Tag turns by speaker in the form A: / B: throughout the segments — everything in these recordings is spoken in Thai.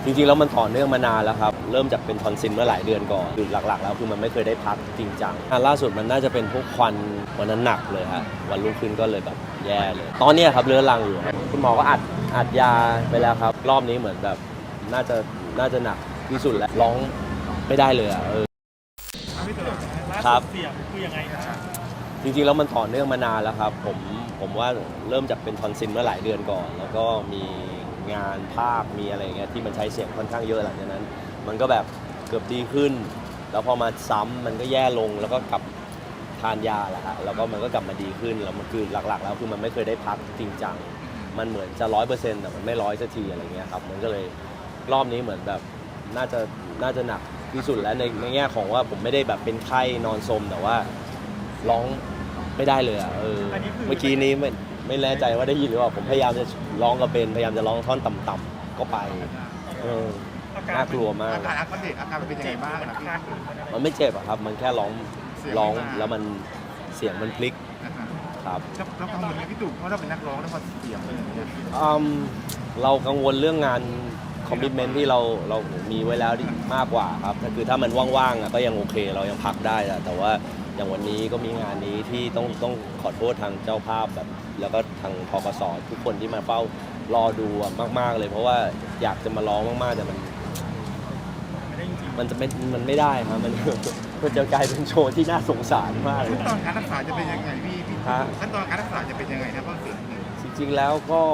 A: จริงๆแล้วมันต่อเนื่องมานานแล้วครับเริ่มจากเป็นทอนซิลเมื่อหลายเดือนก่อนคือหลักๆแล้วคือมันไม่เคยได้พักจริงจังล่าสุดมันน่าจะเป็นพวกควันวันนั้นหนักเลยฮะวันรุ่งขึ้นก็เลยแบบแย่เลยตอนนี้ครับเรื้อรังอยู่ครับคุณหมอก็อัดยาไปแล้วครับรอบนี้เหมือนแบบน่าจะหนักที่สุดแล้วร้องไม่ได้เลยครับ
B: เสียงคือยังไงครับ
A: จริงๆแล้วมันต่อเนื่องมานานแล้วครับผมว่าเริ่มจากเป็นทอนซิลเมื่อหลายเดือนก่อนแล้วก็มีงานภาพมีอะไรอย่างเงี้ยที่มันใช้เสียงค่อนข้างเยอะหลังจากนั้นมันก็แบบเกือบดีขึ้นแล้วพอมาซ้ำมันก็แย่ลงแล้วก็กลับทานยาแหละฮะแล้วก็มันก็กลับมาดีขึ้นแล้วมันคือหลักๆแล้วคือมันไม่เคยได้พักจริงจังมันเหมือนจะ100%แต่มันไม่100สักทีอะไรเงี้ยครับมันก็เลยรอบนี้เหมือนแบบน่าจะหนักที่สุดแล้วในแง่ของว่าผมไม่ได้แบบเป็นไข้นอนสมแต่ว่าร้องไม่ได้เลยเมื่อกี้นี้ไม่แน่ใจว่าได้ยินหรือเปล่าผมพยายามจะร้องกับเบนพยายามจะร้องท่อนต่ำๆก็ไปน่ากลัวมาก
C: อาการมันเป็นยังไงบ้างนะพี่
A: มันไม่เจ็บอะครับมันแค่ร้องแล้วมันเสียงมันพลิกครับ
C: แล้วกังวลไหมพี่ตู่เพราะเราเป็นนักร้องแล้วพอเสียงเป็นอย่างนี้
A: เรากังวลเรื่องงานคอมมิชเมนท์ที่เรามีไว้แล้วมากกว่าครับคือถ้ามันว่างๆก็ยังโอเคเรายังพักได้แต่ว่าอย่างวันนี้ก็มีงานนี้ที่ต้องขอโทษทางเจ้าภาพแบบแล้วก็ทางพกส.ทุกคนที่มาเฝ้ารอดูมากๆเลยเพราะว่าอยากจะมาร้องมากๆแต่มันไม่ได้ครับมันจะกลายเป็นโชว์ที่น่าสงสารมากเลย
C: ขั้นตอนการรักษาจะเป็นยังไงพี่ขั้นตอนการรักษาจะเป็นยังไงนะเพราะเสียง
A: จริงๆแล้วก็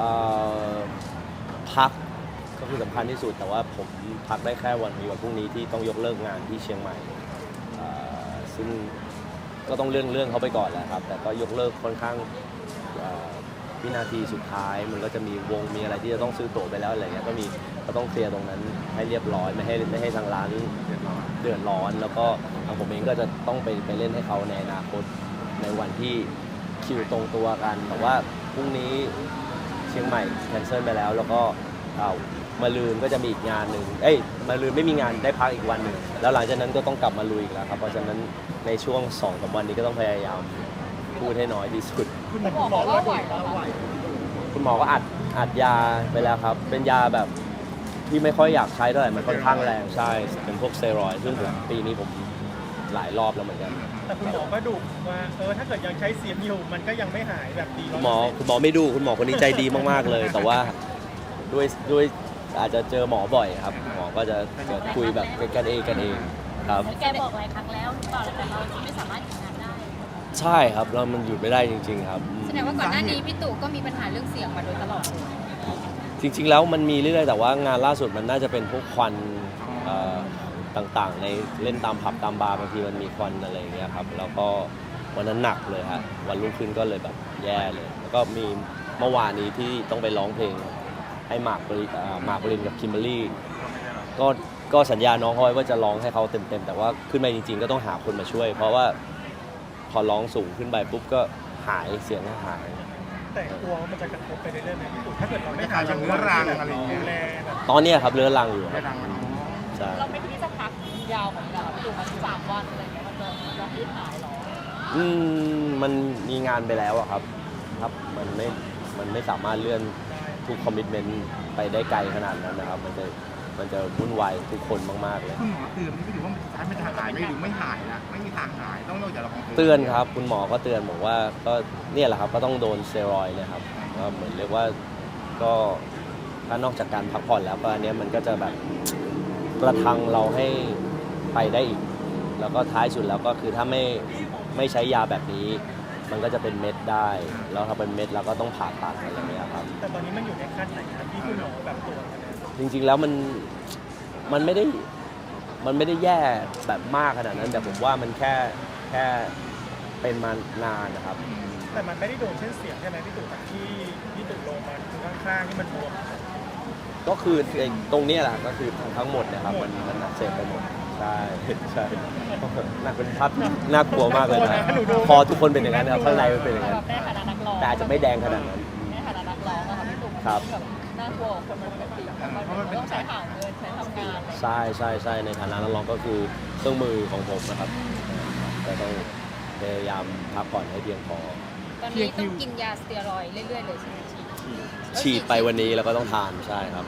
A: พักก็คือสำคัญที่สุดแต่ว่าผมพักได้แค่วันพรุ่งนี้ที่ต้องยกเลิกงานที่เชียงใหม่ซึ่งก็ต้องเรื่องเขาไปก่อนแหละครับแต่ก็ยกเลิกค่อนข้างวินาทีสุดท้ายมันก็จะมีวงมีอะไรที่จะต้องซื้อตั๋วไปแล้วอะไรเงี้ยก็ต้องเคลียร์ตรงนั้นให้เรียบร้อยไม่ให้ทางร้านเดือดร้อนแล้วก็ทางผมเองก็จะต้องไปเล่นให้เขาในอนาคตในวันที่คิวตรงตัวกันแต่ว่าพรุ่งนี้เชียงใหม่แคนเซิลไปแล้วก็มาลืนก็จะมีอีกงานหนึ่งมาลืนไม่มีงานได้พักอีกวันหนึ่งแล้วหลังจากนั้นก็ต้องกลับมาลุยอีกแล้วครับเพราะฉะนั้นในช่วง2-3 วันนี้ก็ต้องพยายามพูดให้น้อยที่สุด
B: คุณหมอว่าไหว
A: คุณหมอก็อัดยาไปแล้วครับเป็นยาแบบที่ไม่ค่อยอยากใช้เท่าไหร่มันค่อนข้างแรงใช่เป็นพวกสเตียรอยด์ซึ่งปีนี้ผมหลายรอบแล้วเหมือนกัน
B: แต่คุณหมอก็ดุว่าถ้าเกิดยังใช้เสียงอยู่มันก็ยังไม่หายแบบดี
A: คุณหมอไม่ดูคุณหมอคนนี้ใจดีมากๆเลยแต่ว่าด้วยอาจจะเจอหมอบ่อยครับหมอก็จะคุยแบบกันเองครับ
D: แกบอกหลายครั้งแล้วหรือเปล่าแต่เราไม่สามารถหยุดงานได้
A: ใช่ครับเรามันหยุดไม่ได้จริงๆครับ
D: แสดงว่าก่อนหน้านี้พี่ตู่ก็มีปัญหาเรื่องเสียงมาโดยตลอด
A: จริงๆแล้วมันมีเรื่อยๆแต่ว่างานล่าสุดมันน่าจะเป็นพวกควันต่างๆในเล่นตามผับตามบาร์บางทีมันมีควันอะไรอย่างเงี้ยครับแล้วก็วันนั้นหนักเลยฮะวันรุ่งขึ้นก็เลยแบบแย่เลยแล้วก็มีเมื่อวานนี้ที่ต้องไปร้องเพลงให้หมากปรินกับคิมเบอรรี่ก็สัญญาน้องเขาไว้ว่าจะร้องให้เขาเต็มๆแต่ว่าขึ้นมาจริงๆก็ต้องหาคนมาช่วยเพราะว่าพอร้องสูงขึ้นไปปุ๊บก็หายเสียงหาย
B: แต่กลัวมันจะกระทบไปเรื่อยๆไหมพี่ตู่ถ้าเกิดเราไม่
C: หายเรื้อรังอะไรอย่างเงี้ย
A: ตอนนี้ครับเรื้อรังอยู่
D: ใช่เราไม่คิดจะพักยาวของเราพี่ตู่มา3 วันอะไรเงี้ยมันจะยืดหายหรอ
A: มันมีงานไปแล้วอะครับมันไม่สามารถเลื่อนทุกคอมมิชเมนต์ไปได้ไกลขนาดนั้นนะครับมันจะวุ่นวายทุกคนมากๆเลย
C: คุณหมอเตือนไม่ถือว่ามันจะหายไม่หรือไม่หายนะไม่มีทางหายต้องนอกจากเรา
A: เตือนครับคุณหมอก็เตือนบอกว่าก็เนี่ยแหละครับก็ต้องโดนสเตียรอยด์นะครับก็เหมือนเรียกว่าก็ถ้านอกจากการพักผ่อนแล้วก็อันนี้มันก็จะแบบประทังเราให้ไปได้อีกแล้วก็ท้ายสุดแล้วก็คือถ้าไม่ใช้ยาแบบนี้มันก็จะเป็นเม็ดได้แล้วถ้าเป็นเม็ดเราก็ต้องผ่าตัดอะไรอย่างเงี้ยครับ
B: แต่ตอนนี้มันอยู่ในขั้นไหนครับที่คุณหมอแบบตรวจ
A: จริงๆแล้วมันไม่ได้แย่แบบมากขนาดนั้นแต่ผมว่ามันแค่เป็นมานานนะครับ
B: แต่มันไม่ได้โดนเส้นเสียงใช่ไหมพี่ตู่ที่ตู่ลงมาข้างๆที่มันบวม
A: ก็คือตรงนี้แหละก็คือทั้งหมดนะครับมันอักเสบไปหมดใช่น่าเป็นภาพน่ากลัวมากเลยนะพอทุกคนเป็นอย่างนั้นนะครับข้างในมันเป็นอย่างนั้นแต่อาจจะไม่แดงขนาดนั้น
D: ในฐานะนักร้องอะค่ะพี่ตู่
A: ครับ
D: น่ากลัวคนมันปกติมันต้องใช้หาเงินใช้ทำงาน
A: ใช่ในฐานะนักร้องก็คือเครื่องมือของผมนะครับแต่ต้องพยายามพักผ่อนให้เพียงพอ
D: ตอนนี้ต้องกินยาสเตียรอยด์เรื่อยๆเลยใช่ไหม
A: ฉีดไปวันนี้แล้วก็ต้องทานใช่ครับ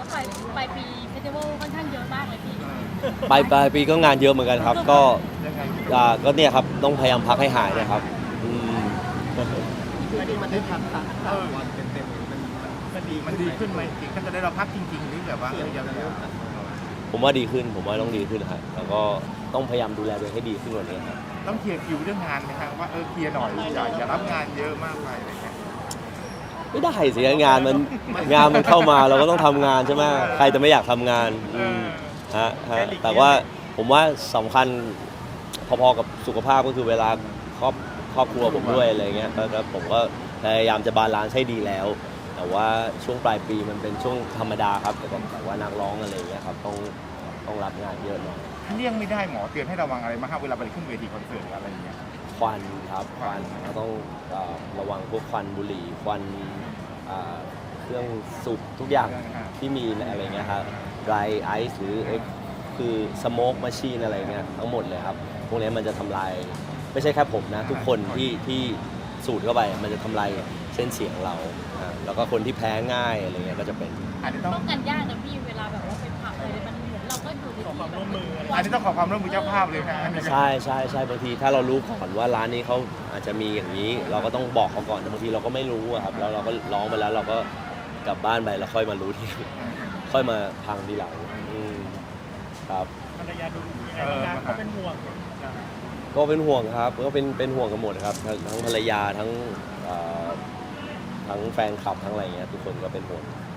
D: ปลายปีเฟสติวัลค่อนข้างเยอะมากเลยพี่
A: ปลายปีก็งานเยอะเหมือนกันครับ ก็
C: ยังไง
A: ก็เนี่ยครับต้องพยายามพักให้หายนะครับอืม
C: มันได้พักวันเต็มๆมันดีขึ้นไหมจริงถ้าจะได้เราพักจริงๆหรือแบบว่ายัง
A: ผมว่าดีขึ้นผมว่าต้องดีขึ้นครับแล้วก็ต้องพยายามดูแลตัวเองให้ดีขึ้นกว่านี้ครับ
C: ต้องเคลียร์คิวเรื่องงานไหมครับว่าเคลียร์หน่อยอย่ารับงานเยอะมากไปอะไรเงี้ย
A: ไม่ได้สิงานมันเข้ามาเราก็ต้องทำงานใช่ไหมใครจะไม่อยากทำงานฮะแต่ว่าผมว่าสำคัญพอๆกับสุขภาพก็คือเวลาครอบครัวผมด้วยอะไรเงี้ยก็ผมก็พยายามจะบาลานซ์ให้ดีแล้ว แต่ว่าช่วงปลายปีมันเป็นช่วงธรรมดาครับแต่ว่านักร้องอะไรเงี้ยครับต้องรับงานเยอะหน่อย
C: เลี่ยงไม่ได้หมอเตือนให้ระวังอะไรมากครับเวลาไปขึ้นเวทีคอนเสิร์ตอะไรอย่างเงี้ย
A: ควันครับควันเราต้องระวังพวกควันบุหรี่ควันเครื่องสูบทุกอย่างที่มีอะไรเงี้ยครับ dry ice หรือคือ smoke machine อะไรเงี้ยทั้งหมดเลยครับพวกนี้มันจะทำลายไม่ใช่แค่ผมนะทุกคนที่สูดเข้าไปมันจะทำลายเส้นเสียงเราแล้วก็คนที่แพ้ง่ายอะไรเงี้ยก็จะเป็น
C: อาจจะต้อง
D: ป้องกันยากนะพี่เวลาแบบว่าไปผับอะไรมันเหมือนเราก็อยู่ใน
B: ขอความร่วมมืออะไร
C: อาจจะต้องขอความร่วมมือเจ้าภาพเลยนะ
A: ใช่บางทีถ้าเรารู้ก่อนว่าร้านนี้เขาอาจจะมีอย่างนี้ เราก็ต้องบอกเขาก่อนแต่บางทีเราก็ไม่รู้อะครับแล้วเราก็ร้องไปแล้วเราก็กลับบ้านไปแล้วค่อยมารู้ที ค่อยมาพังทีหลังครับ
B: ภรรยาดูยังไงบ้างเขาเป็นห่วง
A: ก็เป็นห่วงครับก็เป็นห่วงกันหมดครับทั้งภรรยาทั้งแฟนคลับทั้งอะไรเงี้ยทุกคนก็เป็นห่วง